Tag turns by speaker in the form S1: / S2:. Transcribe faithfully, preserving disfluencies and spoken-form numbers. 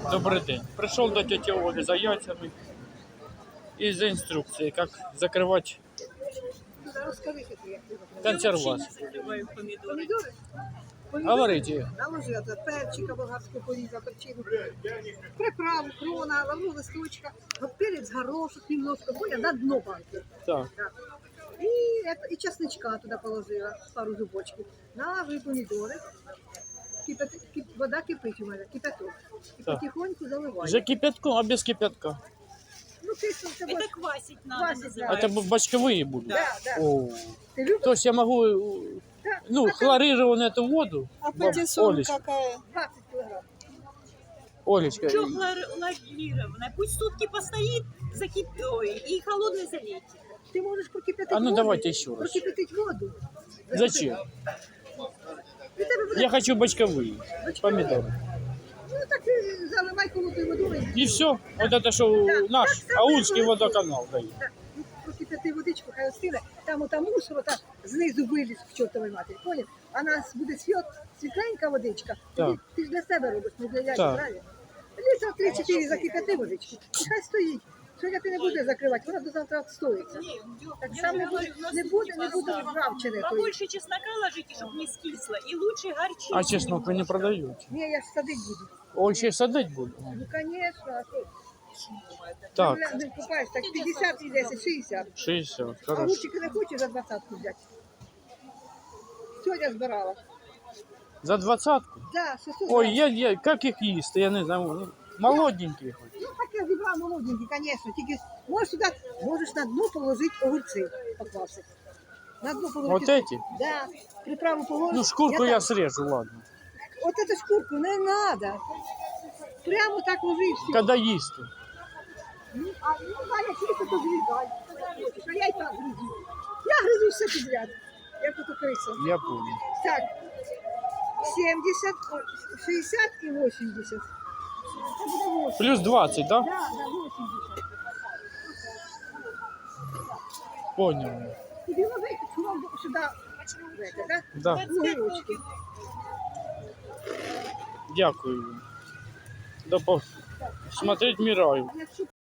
S1: Добрый день. Пришел до тети Оли за яйцами и за инструкцией, как закрывать консервацию.
S2: Помідори?
S1: Говорите.
S2: Наложи оце перчика болгарського поріза, перчину, приправу, крона, лавру листочка, перець, горошок немножко, понял, на дно банки.
S1: Так.
S2: Да. И, это, и чесночка туда положила, пару зубочків. Наложи помідори. Кипят, кип, вода кипить у мене, кипяток. І
S1: Так.
S2: потихоньку заливаю.
S1: За кипятком, а без кипятка?
S2: Ну, ты что, ты
S3: Это квасить надо.
S2: Квасить, да.
S1: Это бочковые будут?
S2: Да, да.
S1: О.
S2: Ты любишь?
S1: То есть я могу, э,
S2: Да.
S1: ну, хлорированную эту воду,
S3: А
S1: баб-
S3: патиссон
S1: Олечка,
S3: какая?
S2: двадцать килограмм.
S1: Олечка,
S3: Что хлорированная? Пусть сутки постоит, закип... Ой, и холодной залейте.
S2: Ты можешь прокипятить
S1: А ну,
S2: воду.
S1: давайте еще раз.
S2: Прокипятить воду.
S1: зачем?
S2: И тебе буде-
S1: Я хочу бочковые помидоры.
S2: Ну так ты заливай холодною водою.
S1: И все. Вот это что
S2: Да,
S1: наш
S2: так само
S1: Аульский
S2: і
S1: водоканал дает.
S2: Так, ну, прокипяти водичку, хай остине, там ота мусор, ота знизу виліз в чортовій матері, поняв? А нас буде світ, світленька водичка,
S1: Так.
S2: ти, ти ж для себе робиш, не для яйця,
S1: Так.
S2: правильно? Літра три-чотири закипяти водички, і хай стоїть. Сьогодні ти не буде закривати, вона до завтра відстоїться. Так
S3: Я
S2: само
S3: же
S2: не буде,
S3: говорю, у нас
S2: не
S3: тут
S2: буде,
S3: типа
S2: не буде
S3: оставлю.
S2: ржавчини. тої.
S3: Побольше чеснока ложите, чтобы не скисло. И лучше горчицы.
S1: А чеснок вы не продаете?
S2: Ні, я ж садить буду.
S1: Он ще садить буду.
S2: Ну, звісно, а що?
S1: Так,
S2: Ну, не купаєш, так п'ятдесят і десять, шістдесят.
S1: шестьдесят,
S2: А
S1: хорошо.
S2: лучики не хочеш за двадцятку взяти? Сьогодні збирала.
S1: За двадцатку?
S2: Да, шестьсот
S1: Ой,
S2: грамм.
S1: я, я, как их їсти, я не знаю. Ну, молоденькие хоть.
S2: Ну, так я зібрала молоденький, звісно. Тільки можеш сюди, можеш на дно положити огурці поквасити. На дно положити.
S1: Вот эти?
S2: Да, приправу положиш.
S1: Ну, шкурку я
S2: так-
S1: срежу, ладно.
S2: От эту шкурку не треба. Прямо так ложи і все.
S1: Когда їсти?
S2: Ну, а ну, Галя, чисто то зрізай. А я і так гризу. Я гризу все підряд. Як ото криса.
S1: Я понял.
S2: Так, сімдесят, шістдесят і вісімдесят. Це буде вісімдесят.
S1: Плюс двадцать, да?
S2: Да, да, вісімдесят.
S1: Понял.
S2: Тобі ложить сюди, это, да?
S1: Да,
S2: Огірочки.
S1: дякую. До по... Смотреть мираю.
S2: А якщо